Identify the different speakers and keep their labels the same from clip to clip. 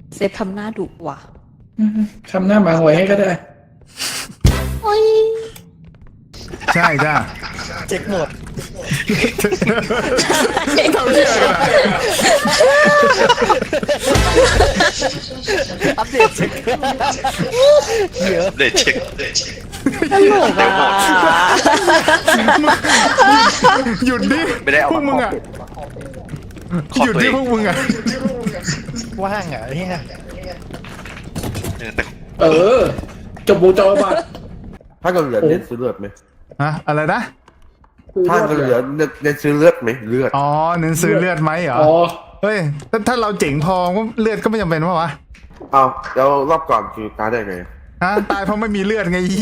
Speaker 1: เซฟทำหน้าดุว่ะ
Speaker 2: ทำหน้าหมาหวยให้ก็ได้
Speaker 1: โอ้ย
Speaker 3: ใช่จ้า
Speaker 4: เช็คหมด
Speaker 3: เขาเชื่อกัน
Speaker 4: อัปเดตเช็คเยอะ
Speaker 5: เดทเช็ค
Speaker 1: ตลกอ่ะ
Speaker 3: หยุดดิ
Speaker 5: ไม่ได้เอา
Speaker 3: พวกมึงอ่ะ
Speaker 5: ขอ
Speaker 3: หยุด
Speaker 5: ตัว
Speaker 3: ดิ
Speaker 5: เอง
Speaker 3: พวกมึงอ่ะ
Speaker 4: ว่างอ่ะเนี่ย
Speaker 5: แต่
Speaker 2: เออจบบูจอบาท
Speaker 6: ถ้าเกิดเหลือเน้นซื้อเลือดไหม
Speaker 3: ฮะอะไรนะ
Speaker 6: ถ้าเกิดเหลือเน้นซื้อเลือดไหมเลือด
Speaker 3: อ๋อเน้นซื้อเลือดไหมเหรอ
Speaker 2: อ๋อ
Speaker 3: เฮ้ยถ้าเราเจ๋งพอก็เลือดก็ไม่จำเป็นวะ
Speaker 6: เอาแล้วรอบก่อนคือตายได้ไง
Speaker 3: ฮะตายเพราะไม่มีเลือดไงยี่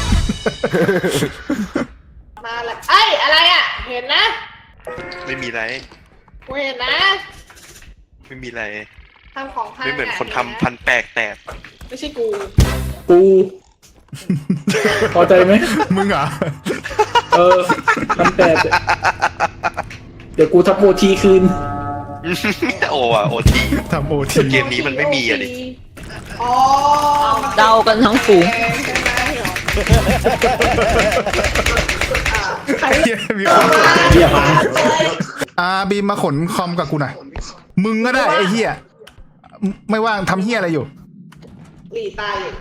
Speaker 7: มาละไอ้ยอะไรอ่ะ เห็นนะ
Speaker 5: ไม่มีอะไร
Speaker 7: กูเห็นนะ
Speaker 5: ไม่มีอะไร
Speaker 7: ทำของพัง
Speaker 5: ไม่เหมือนคน
Speaker 7: ะ
Speaker 5: ทำพันแปลกแตก
Speaker 7: ไม่ใช่กู
Speaker 2: กูพอใจไหม
Speaker 3: มึงเหรอ
Speaker 2: เออทำแต่เดี๋ยวกูทับโอทีคืน
Speaker 5: โอ้อะโอที
Speaker 3: ทำโอที
Speaker 5: เกมนี้มันไม่มีอะดิ
Speaker 7: อ๋อ
Speaker 1: เดากันทั้งฝูง
Speaker 3: มีคนกด
Speaker 2: เหี้ยพัง
Speaker 3: บีมมาขนคอมกับกูหน่อยมึงก็ได้ไอ้เหี้ยไม่ว่างทำเหี้ยอะไรอยู่
Speaker 7: หลีตายอยู่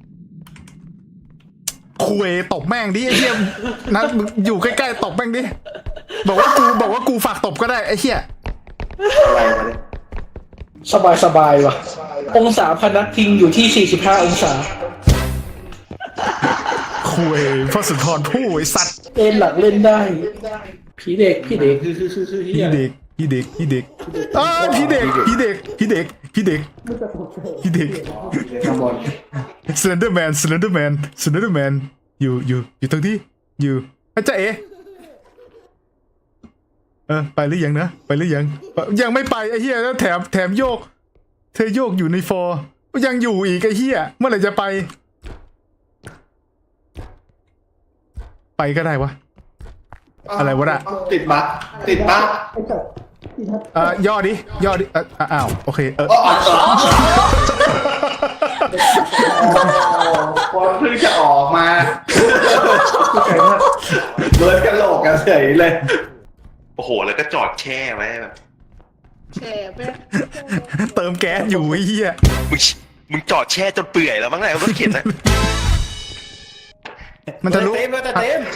Speaker 3: คุยตบแม่งดิไอ้เหี้ยนัดมึงอยู่ใกล้ๆตบแม่งดิบอกว่ากูฝากตบก็ได้ไอ้เหี้ย
Speaker 6: อะไรมาเนี่ย
Speaker 2: สบายว่ะ องศาพนักพิงอยู่ที่45องศา
Speaker 3: คุยพ่อสุนทรผู้ไอ้สัตว์
Speaker 2: เล่นหลักเล่นได้ผีเด็กคือเหี้
Speaker 3: พี่
Speaker 2: ย
Speaker 3: เด็กพี่เด็กพี่เด็กพี่เด็กพี่เด็กพี่เด็กพี่เด็กพี่เด็ก
Speaker 6: ข้างบน
Speaker 3: สแลนเดอร์แมนอยู่ตรงที่อยู่อาจารย์เอไปหรือยังนะไปหรือยังยังไม่ไปไอ้เหี้ยแล้วแถมโยกเธอโยกอยู่ในฟอร์ยังอยู่อีกไอ้เหี้ยเมื่อไหร่จะไปก็ได้วะอะไรวะน่ะ
Speaker 6: ติดบั๊กติดบั๊ก
Speaker 3: ย่อดิอ้าวโอเค
Speaker 6: พอเพิ่งจะออกมาเบิร์ดกันโหลกกันเฉยเลย
Speaker 5: โอ้โห แล้วก็จอดแช่ไว้แบบ
Speaker 7: แฉไป
Speaker 3: เติมแก๊สอยู่ไอ้เหี้ย
Speaker 5: มึงจอดแช่จนเปื่อยแล้วมั้งไงรถเข็นนะ
Speaker 3: มันทะลุ
Speaker 4: เต็มเลยแต่เต็ม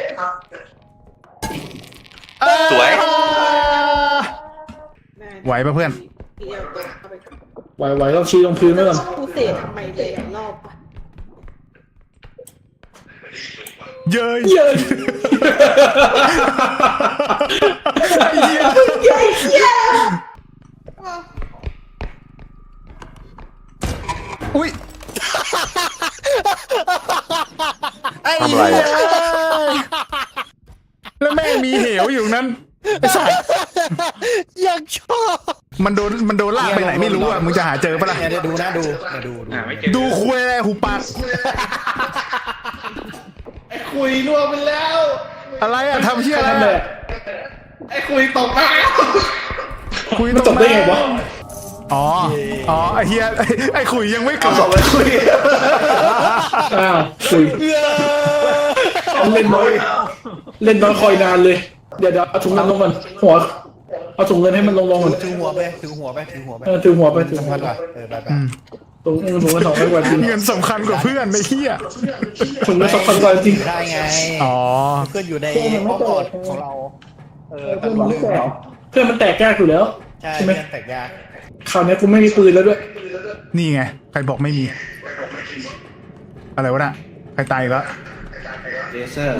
Speaker 5: สวย
Speaker 3: ไหวปะเพื่อน
Speaker 7: เดี๋ยวเอาไป
Speaker 2: ไหวต้องชี้ลงพื้นไว้ก่อน
Speaker 7: กูเสียทำไมเลยรอบอะ
Speaker 3: เย้ย
Speaker 2: เย้ย
Speaker 3: ไอ้เหี้ยอุ้ยไอ้
Speaker 6: ทำอะไร
Speaker 3: เหี้ย
Speaker 6: อะ
Speaker 3: แล้วแม่งมีเหวอยู่นั้นไอ้สัส
Speaker 4: ยังชอบ
Speaker 3: มันโดนลากไปไหนไม่รู้อ่ะมึงจะหาเจอปะล่ะ
Speaker 4: เนี่ยดูนะดู
Speaker 3: ดูคุยอะไรหูปาก
Speaker 6: คุยร่วงไปแล้ว
Speaker 3: อะไรอ่ะทำเชี่ยอะไร
Speaker 2: นั่นแหละ
Speaker 6: ไอ้คุยตกน้
Speaker 3: คุย
Speaker 2: มัน
Speaker 3: ต
Speaker 2: จ
Speaker 3: ร
Speaker 2: บ
Speaker 3: ง
Speaker 2: ได้ไงวะ
Speaker 3: อ๋อไอ้เฮียไอ้คุยยังไม่
Speaker 6: ำ
Speaker 3: เกิ
Speaker 6: เอา
Speaker 3: ด
Speaker 6: สองไปคุย
Speaker 2: อ้าวคุยเล่นน้อยคอยนานเลย เดี๋ยวเอาถุงเงินลงก่อนหัวเอาถุงเงินให้มันลงก่อน
Speaker 4: ถือหัวไปถือหัวไป
Speaker 2: ถือหัวไป
Speaker 4: สำคัญกว่าไป
Speaker 2: ถุงเงิน200 กว่าจริง
Speaker 3: เงินสำคัญกว่าเพื่อนไอ้เฮีย
Speaker 2: ถุงเงิน2,000 กว่าจริง
Speaker 4: ได้ไง
Speaker 3: อ๋อ
Speaker 4: เพื่อนอยู่ในห้องกอดของเราแต่เราลืมแล้ว
Speaker 2: เพื่อนมันแตกยากอยู่แล้ว
Speaker 4: ใช่ไหมแตกยาก
Speaker 2: คราวนี้กูไม่มีปืนแล้วด้วย
Speaker 3: นี่ไงใครบอกไม่มี อะไรวะน่ะใครตายอีกแล้ว
Speaker 6: เลเซอร์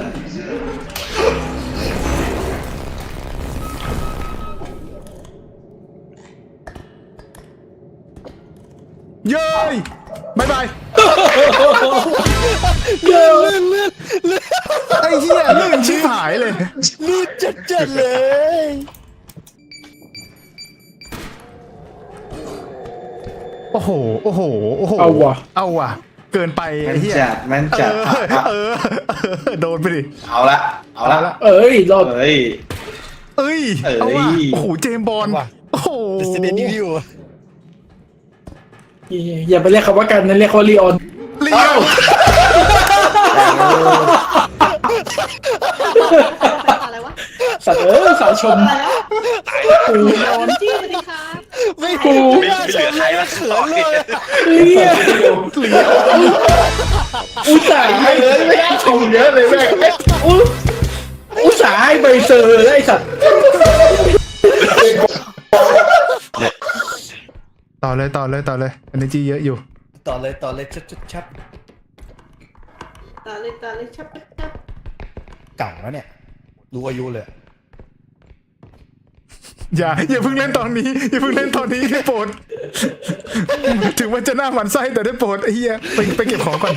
Speaker 3: เย้ยบายบายไอ้เหี้ยลื่นชิบหายเลย
Speaker 4: ลื่นจัดเลย
Speaker 3: โอ้โห
Speaker 2: เอาว่ะ
Speaker 3: เกินไปไอ้เหี้ย
Speaker 6: มันจัด
Speaker 3: โดนไปดิ
Speaker 6: เอาละ
Speaker 2: เอ้ยรอด
Speaker 6: เฮ้ย
Speaker 3: เอ้ยเอาว่ะโอ้โหเจมส์บอลโอ้โห
Speaker 4: Resident Evil
Speaker 2: อย่าไปเรียกคำว่ากันนะเรียกว่าลีออน
Speaker 3: เลี้ยว
Speaker 7: อะไรวะ
Speaker 2: สัตว์สาวชม
Speaker 7: อะไรวะโดนจี้เลยค่ะ
Speaker 4: ไม่
Speaker 2: กู
Speaker 5: ไม่เหลือใครละต่อเนี่ย
Speaker 2: เนี่ยอุตส่าห์ให้ไม่ได้ชมเยอะเลยแม่อุตส่าห์ให้ใบเซอร์ไอ้สัตว์
Speaker 3: ต่อเลยอันนี้จีเยอะอยู่
Speaker 4: ต่อเลยชับ
Speaker 7: ตาเลยชับ
Speaker 4: เก่าแล้วเนี่ยรู้อายุเลย
Speaker 3: อย่าเพิ่งเล่นตอนนี้ได้โปรดถึงมันจะหน้าหมันไส้แต่ได้โปรดไอ้เหี้ยไปเก็บของก่อน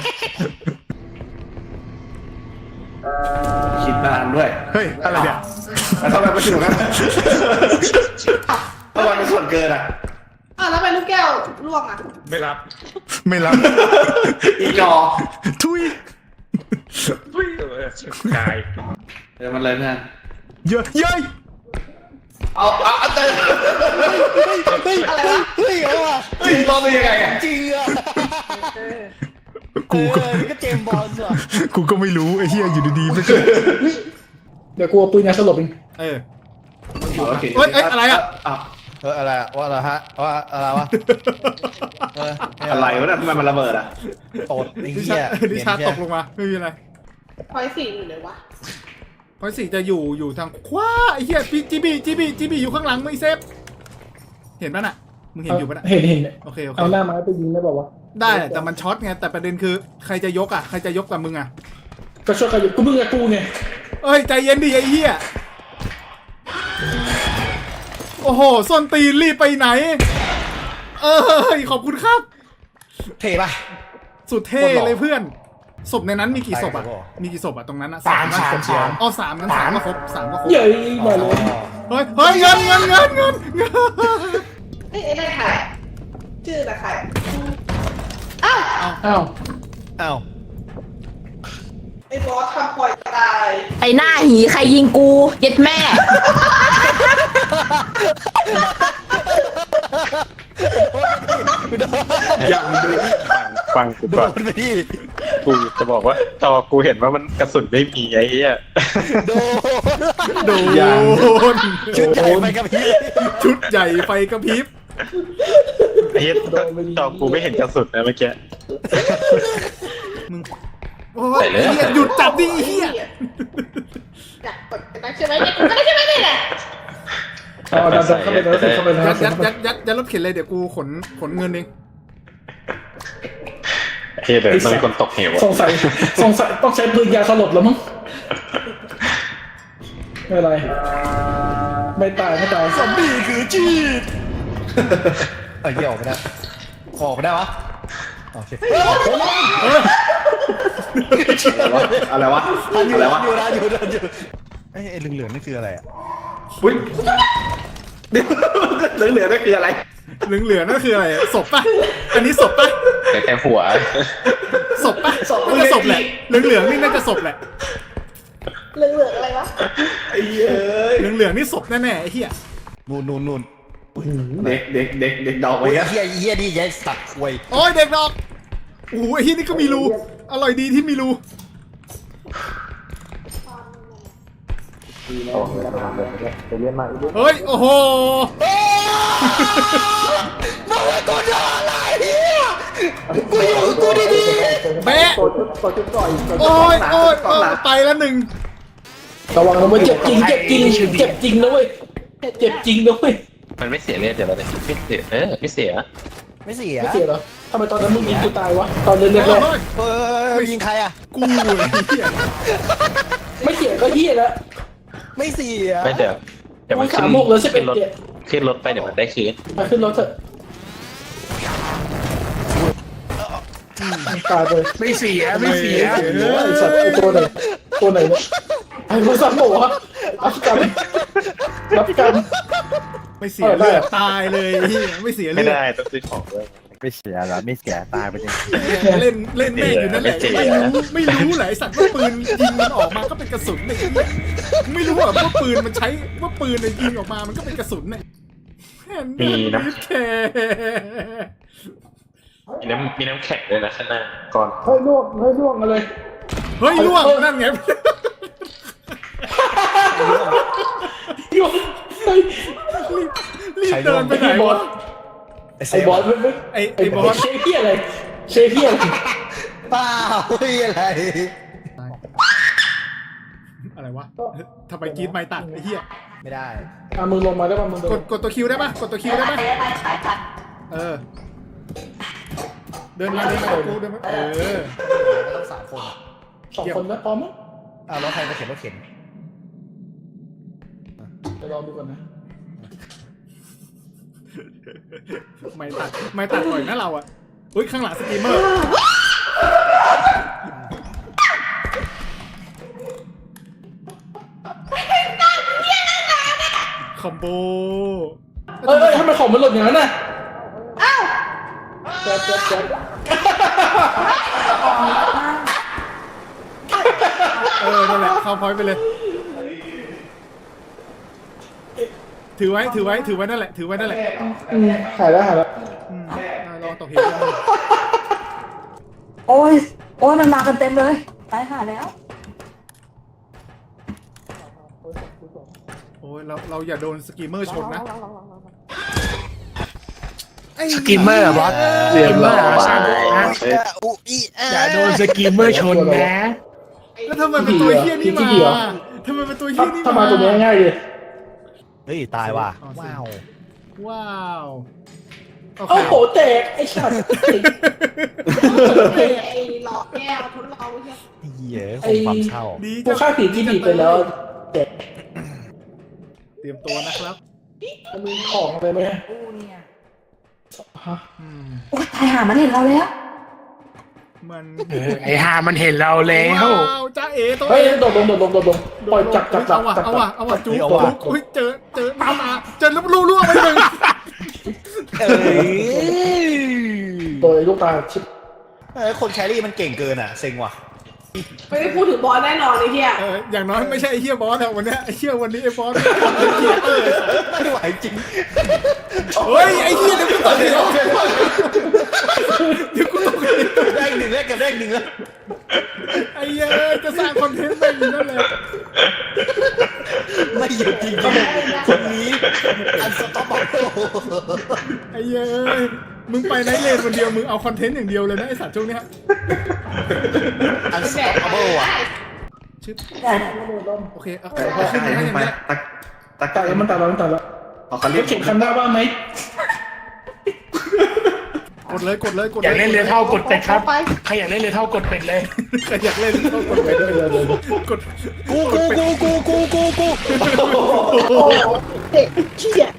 Speaker 6: คิดนานด้วย
Speaker 3: เฮ้ยอะไรเนี่ย
Speaker 6: แล้วทำไมไม่คิดเหมือนกันทำไมเป็นส่วนเกินอ่ะ
Speaker 7: แล้วไปลูกแก้วล่วงอ่ะ
Speaker 3: ไม่รับ
Speaker 6: อีกจอ
Speaker 3: ทุย
Speaker 6: เดี๋ยวมันเลยเพื่อน
Speaker 3: เย้ย
Speaker 6: เอาเต้น
Speaker 7: อะไรวะ
Speaker 4: เฮ้ยเอาว่ะ
Speaker 6: เฮ้ยรอดได้ยังไงอ่ะ
Speaker 4: จริงอ่ะ
Speaker 3: กูก็
Speaker 4: นี่ก็เจมส์บอลส์ว่ะ
Speaker 3: กูก็ไม่รู้ไอ้เหี้ยอยู่ดีๆไม่เจอ
Speaker 2: เดี๋ยวกูเอาปืนยาสลบเอง
Speaker 3: เออ
Speaker 6: โอเค
Speaker 3: เฮ้ยอะไรอ่ะ
Speaker 4: อะไรอะว่าอะไรฮะว่าอะไรวะ
Speaker 6: อะไรวะเนี่ยทำไมมันระเบิดอ่ะ
Speaker 4: ตดไอ้
Speaker 3: ดิ
Speaker 4: เหี้ย
Speaker 3: ชาตกลงมาไม่มีอะไร
Speaker 7: พอยสี่อยู่เลยวะ
Speaker 3: พอยสี่จะอยู่ทางขวาไอ้เหี้ยพี่จีบีอยู่ข้างหลังไม่เซฟเห็นป่ะน่ะมึงเห็นอยู่ป่ะน่ะ
Speaker 2: เห็น
Speaker 3: โอเค
Speaker 2: เอาหน้าไม้ไปยิงได้บอกว่า
Speaker 3: ได้แต่มันช็อตไงแต่ประเด็นคือใครจะยกกับมึงอ่ะ
Speaker 2: ก็ช่วยกันอยู่กูมึงกับกูไง
Speaker 3: เอ้ยใจเย็นดิไอ้เหี้ยโอ้โหส้นตีนรีบไปไหนขอบคุณครับ
Speaker 4: เท่ป่ะ
Speaker 3: สุดเท่เลยเพื่อนศพในนั้นมีกี่ศพอ่ะ
Speaker 4: ไปครับผม
Speaker 3: มีกี่ศพอ่ะตรงนั้นอ่ะ
Speaker 4: สาม
Speaker 3: ศพ
Speaker 4: สาม
Speaker 3: อ๋อสามงั้นสามก็ครบสามก็ครบ
Speaker 2: เย้ยมาเลย
Speaker 3: เฮ้ยเงิน
Speaker 7: ไอ้นั่นใครชื่ออะไรใครอ้าว
Speaker 2: อ้าว
Speaker 4: อ้าว
Speaker 7: ไอ้บอสทำปล่อยตาย
Speaker 1: ไอหน้าหีใครยิงกูเย็ดแม่
Speaker 8: ฟังกูก่อน
Speaker 4: โดนไปดิ
Speaker 8: กูจะบอกว่าจอกูเห็นว่ามันกระสุนไม่มีไอ้เหี้ย
Speaker 4: โดน
Speaker 3: ชุดใหญ่
Speaker 4: ไปกับพี่
Speaker 3: ชุดใหญ่ไฟกระพริบ
Speaker 8: ไอ้เหี้ยจอกูไม่เห็นกระสุนนะเมื่อกี้
Speaker 3: โอ้ยไอ้เหี้ยหยุดจับดิไอ้เหี้ย
Speaker 7: อยากกดกันได้ใช่ไหมเนี่ยกดกันได้ใช่ไหมเนี่ย
Speaker 2: เอาดันเข้าไปแล้วเข้าไปแล้ว
Speaker 3: ยัดรถเข็นเลยเดี๋ยวกูขนเงินเอง
Speaker 8: ไอ้เหี้ยเดี๋ยวมันมีคนตกเหวอะ
Speaker 2: สงสัยต้องใช้ปืนยาสลบแล้วมั้งไม่เป็นไรไม่ตาย
Speaker 4: ซอมบี้คือจีดเหี้ยออกไม่ได้ขอไม่ได้วะโอเค
Speaker 6: อะไรวะ
Speaker 4: อยู่ไอ้เหลืองๆนี่คืออะไรอ่ะ
Speaker 6: อุ้ยเหลือนั่นคืออะไร
Speaker 3: เหลืองๆนั่นคืออะไรศพป่ะอันนี้ศพป่ะ
Speaker 8: แต่หัว
Speaker 3: ศพป่ะน่าจะศพแหละเหลืองๆนี่น่าจะศพแหละ
Speaker 7: เหลืองๆอะไรวะ
Speaker 6: ไอ้เหี้ย
Speaker 3: เหลืองๆนี่ศพแน่ๆไอ้เหี้ย
Speaker 4: นู่น
Speaker 6: เด็กดอกไป
Speaker 4: โอ้ย
Speaker 6: อ่ะ
Speaker 4: เหี้ยนี่ยัยสัตว์ควย
Speaker 3: โอ้ยเด็กดอกโอ้โหไอ้เหี้ยนี่ก็มีรูอร่อยดีที่มีรูเฮ้ยโอ้โห
Speaker 4: กูดี
Speaker 3: แบะโอ้ยไปแล้วหนึ่ง
Speaker 2: ระวังนะเว้ยเจ็บจริงนะเว้ยเจ็บจริงนะเว้ย
Speaker 8: มันไม่เสียเลือดเดี๋ยวเราเลยไม่เสียไม่เสีย
Speaker 4: ไม่เสีย
Speaker 2: ไม่เสียเหรอทำไมตอนนั้นมึงยิงกูตายวะตอนเล่นแรก
Speaker 4: ยิงใครอ่ะ
Speaker 3: กูเลยเหี้ย
Speaker 2: ไม่เสียก็เฮียแล้ว
Speaker 4: ไม่เสีย
Speaker 8: ไม่เดี๋ยวมัน
Speaker 2: ขาโมกแล้ว11
Speaker 8: รถ
Speaker 2: เจ็ด
Speaker 8: ขึ้นรถไปเดี๋ยวมันได้คืน
Speaker 2: มาขึ้นรถเถอะตายไปไม่เสียไอสัตว์ไอตัวไหนเนี่ยไอโทรศัพท์โหวะรับกรรม
Speaker 3: ไม่เสียเลือดตายเลยเหี้ยไม่เสีย
Speaker 8: ไม่
Speaker 3: เลือด
Speaker 8: ได้ต้องซื้อของด้วย
Speaker 4: ไม่เสียแล้วไม่เสียตายไปจริง
Speaker 3: เล่นแม่งอยู่นั่นแหละไม่รู้แหละไอ้สัตว์ว่าปืนยิงมันออกมาก็เป็นกระสุนเลยไม่รู้ว่าปืนมันใช้ว่าปืนยิงออกมามันก็เป็นกระสุนเนี่ย
Speaker 8: มีนะ
Speaker 3: แค่
Speaker 8: มีน้ำแข็งด้วยนะข้างหน้าก่อน
Speaker 2: เฮ้ยล่วงอะไร
Speaker 3: เฮ้ยล่วงนั่นไง
Speaker 2: ล่วงเฮ้ย
Speaker 3: รีบเดินไปไหน
Speaker 2: บอ
Speaker 3: วะ
Speaker 2: สไอ้บอส
Speaker 3: ไอ้บอส
Speaker 2: เชฟเพี้ยอะไรเชฟเพี้ยอะไร
Speaker 4: เปล่าเฮ้ยอะไร
Speaker 3: อะไรวะทำไมกรีดไม่ตัดไอ้เหี้ย
Speaker 4: ไม่ได้
Speaker 2: มึงลงมาได้ป่ะมึง
Speaker 3: กดตัวคิวได้ปะกดตัวคิวได้ปะ
Speaker 1: ขายตัด
Speaker 3: เออเดินมากับกูเดินมา
Speaker 4: ต้องสามคนอ่ะ
Speaker 2: 2 คนนะพร้อมมั้ย
Speaker 4: แล้วใครมาเข็นรถเข็น
Speaker 2: เดี๋ยวลองดูก่อนนะ
Speaker 3: ไม่ตัดหน่อยนะเราอ่ะเฮ้ยข้างหลังสตรีมเมอร์คอมโบ
Speaker 2: เอ้ยทำไมของมันหล่นอย่างนั้นน่ะแจ๊บ
Speaker 3: นั่นแหละเข้าพอยต์ไปเลย ถือไว้นั่นแหละ
Speaker 2: หายแล้ว
Speaker 3: ลองตกเหว
Speaker 1: โอ้ยมันมากันเต็มเลยตายหาแล้ว
Speaker 3: โอ้ยเราอย่าโดนสกีมเมอร์ชนนะ
Speaker 9: สกิมเมอร์บอส
Speaker 2: เรียบร้อย
Speaker 9: อย่าโดนสกิมเมอร์ชนนะ
Speaker 3: แล้วทำไมเป็นตัวเฮี้ยนี่มาทำไมเป็นตัวเฮี้ยนี่
Speaker 2: ถ้ามาตัวนี้ง่ายเลย
Speaker 4: เฮ้ยตายว่ะ
Speaker 3: ว้าว
Speaker 2: โอ้โหแตกไอ้สัตว์
Speaker 7: ไอ้หลอกแก้วทุนเราใช่
Speaker 4: เหี้ยคงความเศร้า
Speaker 3: ดี
Speaker 2: กูฆ่าผีที่ดีไปแล้วแตก
Speaker 3: เตรียมตัวนะครับ
Speaker 2: มีของอะไรไหม
Speaker 1: กูเนี่ย
Speaker 2: ฮะ
Speaker 1: โอ้ยตายหามันเห็นเราแล้ว
Speaker 3: มัน
Speaker 9: ไอ้ห่ามันเห็นเราแล้ว
Speaker 3: ว้าวจ้าเอ๋ตัว
Speaker 2: เฮ้ย
Speaker 3: เอ๋
Speaker 2: โดดลงปล่อยจับ
Speaker 3: เอาว่ะจุ๊บเฮ้ยเจอมาเจอแล้วรั่วไปหนึ่ง
Speaker 4: เอ้ย
Speaker 2: ตัวไอ้ลูกตาชิบ
Speaker 4: คนแครี่มันเก่งเกินอ่ะเซ็งว่ะ
Speaker 7: ไม่ได้พูดถึงบอสแน่นอนไอ้เหี้ย
Speaker 3: อย่างน้อยไม่ใช่ไอ้เฮี้ยบอสอะวันนี้ไอ้เฮี้ยวันนี้ไอ้บอส
Speaker 4: ไม่ไหวจริง
Speaker 3: เฮ้ยไอ้เฮี้ยเดี๋ยวกูตกเหว
Speaker 4: ได้หนึ่งแล้วกับได้หนึ่งแล้ว
Speaker 3: ไอ้เหี้ยจะสร้างคอนเทนต์ไปอยู่นั่นแหละ
Speaker 4: ไม่หยุดจริงๆคนนี้อันสต็อปบอก
Speaker 3: ไอ้เหี้ยมึงไปไนท์เลนคนเดียวมึงเอาคอนเทนต์อย่างเดียวเลยนะไอ้สัตว์ช่วงเนี้ย
Speaker 4: อันสต็อปบอกอ่ะ
Speaker 3: ชิป
Speaker 1: ได้
Speaker 3: โอเคเอาขึ้นมาให้อย่างเงี้ย
Speaker 2: ตัดแล้วมันตัดแล้วเข็มคันหน้าบ้างไหม
Speaker 3: กดเลย
Speaker 9: อยากเล่นเรือเท่ากดเป็ดครับใครอยากเล่นเรือเท่ากดเป็ดเลย
Speaker 3: ใครอยากเล่นก็กดไปด้วยกด
Speaker 4: กู
Speaker 2: โอ้เด็กเชี่ย